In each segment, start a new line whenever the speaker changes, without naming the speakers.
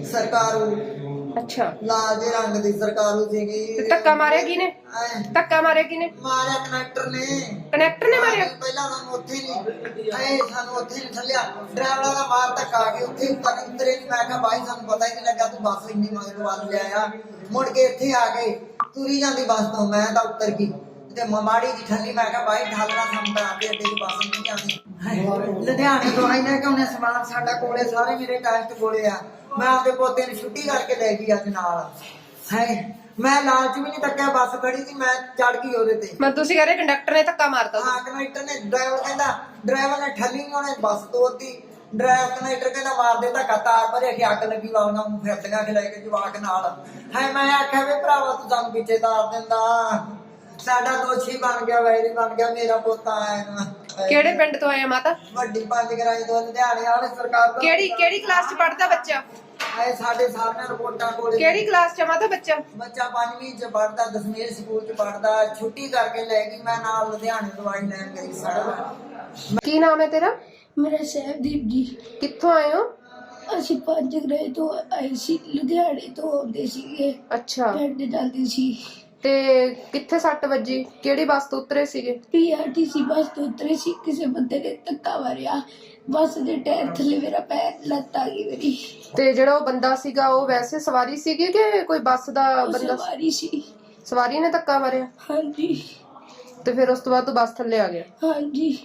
सरकारू
अच्छा
लाल जे रंग दी सरकारू सीगी
ते धक्का मारिया किने? धक्का मारिया किने?
मारिया कनेक्टर ने
मारिया?
ਪਹਿਲਾਂ ਸਾਨੂੰ ਉੱਥੇ ਨਹੀਂ ਸਾਨੂੰ ਉੱਥੇ ਨਹੀਂ ਥੱਲਿਆ ਡਰਾਈਵਰਾਂ ਦਾ ਮਾਰ ਧੱਕਾ ਆ ਕੇ ਉੱਥੇ ਉਤਰੇ ਨਹੀਂ। ਮੈਂ ਕਿਹਾ ਬਾਈ ਸਾਨੂੰ ਪਤਾ ਹੀ ਨਹੀਂ ਲੱਗਾ ਤੂੰ ਬੱਸ ਇੰਨੀ ਮਗਰ ਵੱਲ ਲਿਆਇਆ। ਮੁੜ ਕੇ ਇੱਥੇ ਆ ਕੇ ਤੁਰੀ ਜਾਂਦੀ ਬੱਸ ਤੋਂ ਮੈਂ ਤਾਂ ਉੱਤਰ ਗਈ ਤੇ ਮਾੜੀ ਜੀ ਠੱਲੀ। ਮੈਂ ਕਿਹਾ ਬਾਈ ਠੱਲਣਾ ਸਾਨੂੰ ਤਾਂ ਆਂਦੇ ਅੱਡੇ ਦੀ ਬੱਸ ਨਹੀਂ ਆਉਂਦੀ। ਲੁਧਿਆਣੇ ਤੋਂ ਆਈ ਨਾ ਕਿ ਉਹਨੇ ਸਮਾਨ ਸਾਡਾ ਕੋਲੇ ਸਾਰੇ ਮੇਰੇ ਟੈਸਟ ਕੋਲੇ ਆ। ਮੈਂ ਆਪਦੇ ਪੋਤੇ ਨੂੰ ਛੁੱਟੀ ਕਰਕੇ ਲੈ ਗਈ ਅੱਜ ਨਾਲ। ਮੈਂ ਲਾਲਚ ਵੀ ਨਹੀਂ ਤੱਕਿਆ, ਬੱਸ ਖੜੀ ਸੀ ਮੈਂ ਚੜ ਗਈ ਉਹਦੇ ਤੇ।
ਮੈਂ ਤੁਸੀਂ ਕਹ ਰਹੇ ਕੰਡਕਟਰ ਨੇ ਧੱਕਾ ਮਾਰਤਾ?
ਹਾਂ ਕੰਡਕਟਰ ਨੇ ਡਰਾਈਵਰ ਕਹਿੰਦਾ ਡਰਾਈਵਰ ਨੇ ਠੱਲੀ ਨਹੀਂ ਉਹਨੇ ਬੱਸ ਤੋੜਤੀ। ਡਰਾਈਵਰ ਕੰਡਕਟਰ ਕਹਿੰਦਾ ਮਾਰ ਦੇ ਧੱਕਾ ਤਾਰ ਭਰੇ ਕਿ ਅੱਗ ਲੱਗੀ ਵਾ ਉਹਨਾਂ ਨੂੰ ਫਿਰਦੀਆਂ ਖਿਲਾ ਕੇ ਜਵਾਕ ਨਾਲ। ਮੈਂ ਆਖਿਆ ਵੀ ਭਰਾਵਾ ਤੂੰ ਸਾਨੂੰ ਪਿੱਛੇ ਤਾਰ ਦਿੰਦਾ, ਸਾਡਾ ਦੋਸ਼ੀ ਬਣ ਗਿਆ, ਵੈਰੀ ਬਣ ਗਿਆ, ਮੇਰਾ ਪੋਤਾ ਆਇਆ।
ਕਿਹੜੇ ਪਿੰਡ ਤੋਂ ਆਏ ਮਾਤਾ?
ਵੱਡੀ ਪੰਜ ਗਰਾਈ ਤੋਂ ਲੁਧਿਆਣੇ ਵਾਲੇ ਸਰਕਾਰ ਤੋਂ।
ਕਿਹੜੀ ਕਲਾਸ ਚ ਪੜਦਾ ਬੱਚਾ?
ਸਾਡੇ ਸਾਹਮਣੇ ਰਿਪੋਰਟਾਂ ਕੋਲ।
ਕਿਹੜੀ ਕਲਾਸ ਚ ਮਾਤਾ ਬੱਚਾ?
ਬੱਚਾ 5ਵੀਂ ਚ ਪੜਦਾ, ਦਸਵੀਂ ਸਕੂਲ ਚ ਪੜਦਾ। ਛੁੱਟੀ ਕਰਕੇ ਲੈ ਗਈ ਮੈਂ ਨਾਲ ਲੁਧਿਆਣੇ ਦਵਾਈ ਲੈਣ ਗਈ ਸਾਡਾ।
ਕੀ ਨਾਮ ਹੈ ਤੇਰਾ?
ਮੇਰਾ ਸਹਿਬਦੀਪ ਜੀ।
ਕਿੱਥੋਂ ਆਏ ਹੋ?
ਅਸੀਂ ਪੰਜ ਗ੍ਰਹਿ ਤੋਂ ਆਏ ਸੀ, ਲੁਧਿਆਣੇ ਤੋਂ ਆਉਂਦੇ ਸੀਗੇ।
ਅੱਛਾ
ਪਿੰਡ ਜਾਂਦੇ ਸੀ।
ਤੇ ਕਿੱਥੇ ਸੱਟ ਵੱਜੀ? ਕਿਹੜੀ ਬੱਸ ਤੋਂ ਉਤਰੇ ਸੀਗੇ?
ਪੀਆਰਟੀਸੀ ਬੱਸ ਤੋਂ ਉਤਰੇ ਸੀ। ਕਿਸੇ ਬੰਦੇ ਨੇ ਧੱਕਾ ਮਾਰਿਆ, ਬੱਸ ਦੇ ਟਾਇਰ ਥੱਲੇ ਮੇਰਾ ਪੈਰ ਲੱਤ ਆ ਗਈ ਮੇਰੀ।
ਤੇ ਜਿਹੜਾ ਉਹ ਬੰਦਾ ਸੀਗਾ ਉਹ ਵੈਸੇ ਸਵਾਰੀ ਸੀਗੀ ਕਿ ਕੋਈ ਬੱਸ ਦਾ ਬੰਦਾ?
ਸਵਾਰੀ ਸੀ।
ਸਵਾਰੀ ਨੇ ਧੱਕਾ ਮਾਰਿਆ?
ਹਾਂਜੀ।
ਤੇ ਫਿਰ ਉਸ ਤੋਂ ਬਾਅਦ ਤੂੰ ਬੱਸ ਥੱਲੇ ਆ ਗਿਆ?
ਹਾਂਜੀ।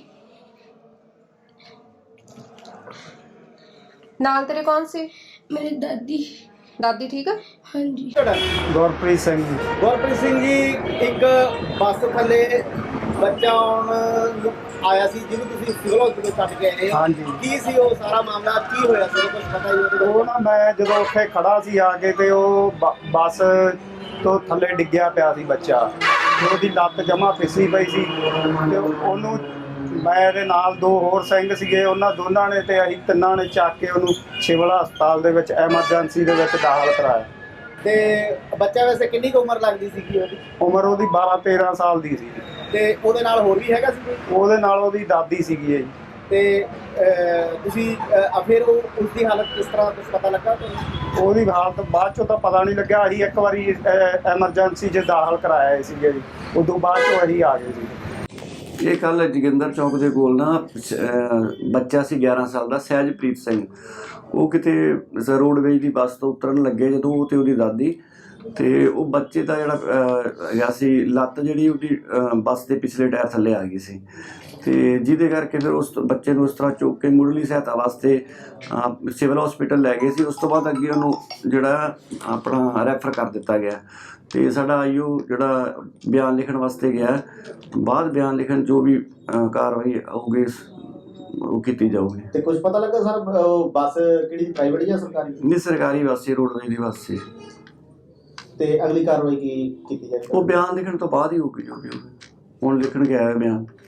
ਨਾਲ ਤੇਰੇ ਕੌਣ ਸੀ?
ਮੇਰੇ ਦਾਦੀ
ਠੀਕ ਆ?
ਹਾਂਜੀ।
ਗੁਰਪ੍ਰੀਤ ਸਿੰਘ ਜੀ।
ਗੁਰਪ੍ਰੀਤ ਸਿੰਘ ਜੀ, ਇੱਕ ਬੱਸ ਥੱਲੇ ਬੱਚਾ ਆਉਣ ਆਇਆ ਸੀ ਜਿਹਨੂੰ ਤੁਸੀਂ ਸਿਵਲ ਹਸਪੀਟਲ ਛੱਡ ਕੇ ਆਏ।
ਹਾਂਜੀ।
ਕੀ ਸੀ ਉਹ ਸਾਰਾ ਮਾਮਲਾ, ਕੀ ਹੋਇਆ ਸੀ ਕੁਝ ਪਤਾ ਹੀ
ਉਹ ਨਾ ਮੈਂ ਜਦੋਂ ਉੱਥੇ ਖੜਾ ਸੀ ਆ ਕੇ ਤੇ ਉਹ ਬੱਸ ਤੋਂ ਥੱਲੇ ਡਿੱਗਿਆ ਪਿਆ ਸੀ ਬੱਚਾ ਤੇ ਉਹਦੀ ਲੱਤ ਜਮਾ ਫਿਸੀ ਪਈ ਸੀ ਤੇ ਉਹਨੂੰ ਮੇਰੇ ਨਾਲ ਦੋ ਹੋਰ ਸਿੰਘ ਸੀਗੇ, ਉਹਨਾਂ ਦੋਨਾਂ ਨੇ ਤੇ ਅਸੀਂ ਤਿੰਨਾਂ ਨੇ ਚੱਕ ਕੇ ਉਹਨੂੰ ਸਿਵਲ ਹਸਪਤਾਲ ਦੇ ਵਿੱਚ ਐਮਰਜੈਂਸੀ ਦੇ ਵਿੱਚ ਦਾਖਲ ਕਰਾਇਆ।
ਤੇ ਬੱਚਾ ਵੈਸੇ ਕਿੰਨੀ ਕੁ ਉਮਰ ਲੱਗਦੀ ਸੀਗੀ ਉਹਦੀ?
ਉਮਰ ਉਹਦੀ 12-13 ਸਾਲ ਦੀ ਸੀ।
ਤੇ ਉਹਦੇ ਨਾਲ ਹੋਰ ਵੀ ਹੈਗਾ ਸੀ ਕੋਈ?
ਉਹਦੇ ਨਾਲ ਉਹਦੀ ਦਾਦੀ ਸੀਗੀ ਜੀ।
ਤੇ ਤੁਸੀਂ ਫਿਰ ਉਸਦੀ ਹਾਲਤ ਕਿਸ ਤਰ੍ਹਾਂ ਕੁਛ ਪਤਾ ਲੱਗਾ ਤੁਹਾਨੂੰ?
ਉਹਦੀ ਹਾਲਤ ਬਾਅਦ ਚੋਂ ਤਾਂ ਪਤਾ ਨਹੀਂ ਲੱਗਿਆ। ਅਸੀਂ ਇੱਕ ਵਾਰੀ ਐਮਰਜੈਂਸੀ 'ਚ ਦਾਖਲ ਕਰਾਇਆ ਸੀਗੇ ਜੀ, ਉਦੋਂ ਬਾਅਦ ਚੋਂ ਅਸੀਂ ਆ ਗਏ ਸੀ।
ਇਹ ਕੱਲ੍ਹ ਜੋਗਿੰਦਰ ਚੌਕ ਦੇ ਕੋਲ ਨਾ ਬੱਚਾ ਸੀ 11 ਸਾਲ ਦਾ ਸਹਿਜਪ੍ਰੀਤ ਸਿੰਘ। ਉਹ ਕਿਤੇ ਰੋਡਵੇਜ ਦੀ ਬੱਸ ਤੋਂ ਉਤਰਨ ਲੱਗੇ ਜਦੋਂ ਉਹ ਤੇ ਉਹਦੀ ਦਾਦੀ, ਤੇ ਉਹ ਬੱਚੇ ਦਾ ਜਿਹੜਾ ਹੈਗਾ ਸੀ ਲੱਤ ਜਿਹੜੀ ਉਹਦੀ ਬੱਸ ਦੇ ਪਿਛਲੇ ਟਾਇਰ ਥੱਲੇ ਆ ਗਈ ਸੀ, ਤੇ ਜਿਹਦੇ ਕਰਕੇ ਫਿਰ ਉਸ ਬੱਚੇ ਨੂੰ ਉਸ ਤਰ੍ਹਾਂ ਚੁੱਕ ਕੇ ਮੁੱਢਲੀ ਸਹਾਇਤਾ ਵਾਸਤੇ ਸਿਵਲ ਹਸਪੀਟਲ ਲੈ ਗਏ ਸੀ। ਉਸ ਤੋਂ ਬਾਅਦ ਅੱਗੇ ਉਹਨੂੰ ਜਿਹੜਾ ਆਪਣਾ ਰੈਫਰ ਕਰ ਦਿੱਤਾ ਗਿਆ ਤੇ ਸਾਡਾ ਆਈਓ ਜਿਹੜਾ ਬਿਆਨ ਲਿਖਣ ਵਾਸਤੇ ਗਿਆ। ਬਾਅਦ ਬਿਆਨ ਲਿਖਣ ਜੋ ਵੀ ਕਾਰਵਾਈ ਹੋਊਗੀ ਉਹ ਕੀਤੀ ਜਾਊਗੀ।
ਤੇ ਕੁਝ ਪਤਾ ਲੱਗਾ ਸਰ ਬੱਸ ਕਿਹੜੀ ਪ੍ਰਾਈਵੇਟ ਜਾਂ ਸਰਕਾਰੀ?
ਨਹੀਂ, ਸਰਕਾਰੀ ਬੱਸ ਸੀ, ਰੋਡਵੇਜ ਦੀ ਬੱਸ ਸੀ।
ਤੇ ਅਗਲੀ ਕਾਰਵਾਈ ਕੀ ਕੀਤੀ ਜਾਏਗੀ?
ਉਹ ਬਿਆਨ ਲਿਖਣ ਤੋਂ ਬਾਅਦ ਹੀ ਹੋਊਗੀ ਜੋ ਵੀ ਹੋਊਗੀ। ਹੁਣ ਲਿਖਣ ਗਿਆ ਬਿਆਨ।